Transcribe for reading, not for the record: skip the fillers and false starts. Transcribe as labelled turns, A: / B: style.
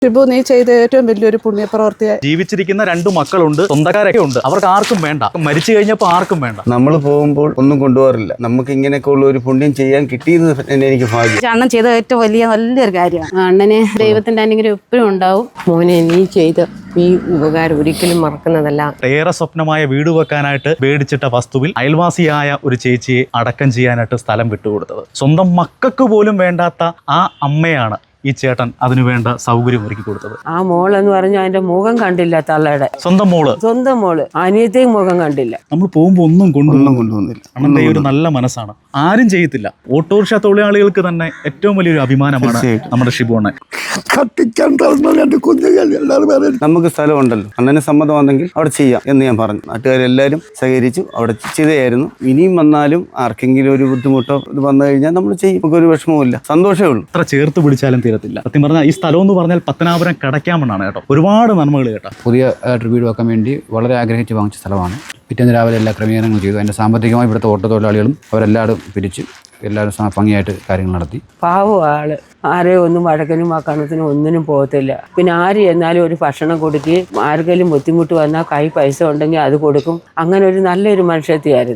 A: ഷിബു, നീ ചെയ്ത ഏറ്റവും വലിയൊരു പുണ്യപ്രവർത്തിയായി.
B: ജീവിച്ചിരിക്കുന്ന 2 മക്കളുണ്ട്, സ്വന്തക്കാരൊക്കെ ഉണ്ട്, അവർക്ക് ആർക്കും വേണ്ട. മരിച്ചു കഴിഞ്ഞപ്പോൾ ആർക്കും വേണ്ട.
C: നമ്മൾ പോകുമ്പോൾ ഒന്നും കൊണ്ടുപോകാറില്ല. നമുക്ക് ഇങ്ങനെയൊക്കെ ഉള്ള ഒരു പുണ്യം ചെയ്യാൻ കിട്ടിയെന്ന് തന്നെ എനിക്ക് ഭാഗ്യം.
D: അണ്ണൻ ചെയ്ത ഏറ്റവും നല്ലൊരു കാര്യമാണ്.
E: അണ്ണന് ദൈവത്തിന്റെ അനുഗ്രഹം എപ്പോഴും ഉണ്ടാവും. മോനെ, നീ ചെയ്ത ഈ ഉപകാരം ഒരിക്കലും മറക്കുന്നതല്ല.
B: ഏറെ സ്വപ്നമായ വീട് വെക്കാനായിട്ട് മേടിച്ചിട്ട വസ്തുവിൽ അയൽവാസിയായ ഒരു ചേച്ചിയെ അടക്കം ചെയ്യാനായിട്ട് സ്ഥലം വിട്ടുകൊടുത്തത്. സ്വന്തം മക്കൾക്ക് പോലും വേണ്ടാത്ത ആ അമ്മയാണ് ഈ ചേട്ടൻ അതിനു വേണ്ട സൗകര്യം ഒരുക്കി കൊടുത്തത്.
E: ആ മോളെന്ന് പറഞ്ഞാൽ അതിന്റെ മുഖം കണ്ടില്ല. തള്ളയുടെ
B: സ്വന്തം മോള്
E: അനിയത്തെയും മുഖം കണ്ടില്ല.
B: നമ്മൾ പോകുമ്പോൾ ഒന്നും
C: കൊണ്ടുവന്നില്ല.
B: അണ്ണന്റെ ഒരു നല്ല മനസ്സാണ്. ആരും ചെയ്യത്തില്ല. ഓട്ടോറിക്ഷ തൊഴിലാളികൾക്ക് തന്നെ ഏറ്റവും വലിയൊരു അഭിമാനമാണ് നമ്മുടെ ഷിബു അണ്ണൻ.
C: നമുക്ക് സ്ഥലമുണ്ടല്ലോ, അണ്ണന് സമ്മതമാണെങ്കിൽ അവിടെ ചെയ്യാം എന്ന് ഞാൻ പറഞ്ഞു. നാട്ടുകാരെല്ലാവരും സഹകരിച്ചു. അവിടെ ചെയ്തായിരുന്നു. ഇനിയും വന്നാലും ആർക്കെങ്കിലും ഒരു ബുദ്ധിമുട്ടോ ഇത് വന്നു കഴിഞ്ഞാൽ നമ്മൾ ചെയ്യും. നമുക്കൊരു വിഷമവുമില്ല, സന്തോഷമേ ഉള്ളൂ.
B: അത്ര ചേർത്ത് പിടിച്ചാലും തീരത്തില്ല. സത്യം പറഞ്ഞാൽ ഈ സ്ഥലം എന്ന് പറഞ്ഞാൽ പത്തനാപുരം കടയ്ക്കാമെന്നാണ് കേട്ടോ. ഒരുപാട് നന്മകൾ കേട്ടോ.
F: പുതിയ വീട് വെക്കാൻ വേണ്ടി വളരെ ആഗ്രഹിച്ച് വാങ്ങിച്ച സ്ഥലമാണ്. പിറ്റേന്ന് രാവിലെ എല്ലാ ക്രമീകരണങ്ങളും ചെയ്തു. അതിൻ്റെ സാമ്പത്തികമായി ഇവിടുത്തെ ഓട്ടോ തൊഴിലാളികളും അവരെല്ലാവരും പിരിച്ച് എല്ലാവരും ഭംഗിയായിട്ട് കാര്യങ്ങൾ നടത്തി.
E: പാവം ആള്. ആരെയും ഒന്നും വഴക്കനും വക്കണത്തിനും ഒന്നിനും പോകത്തില്ല. പിന്നെ ആര് എന്നാലും ഒരു ഭക്ഷണം കൊടുക്കുകയും ആർക്കെങ്കിലും ബുദ്ധിമുട്ട് വന്നാൽ കൈ പൈസ ഉണ്ടെങ്കിൽ അത് കൊടുക്കും. അങ്ങനെ ഒരു നല്ലൊരു മനുഷ്യത്തിയായിരുന്നു.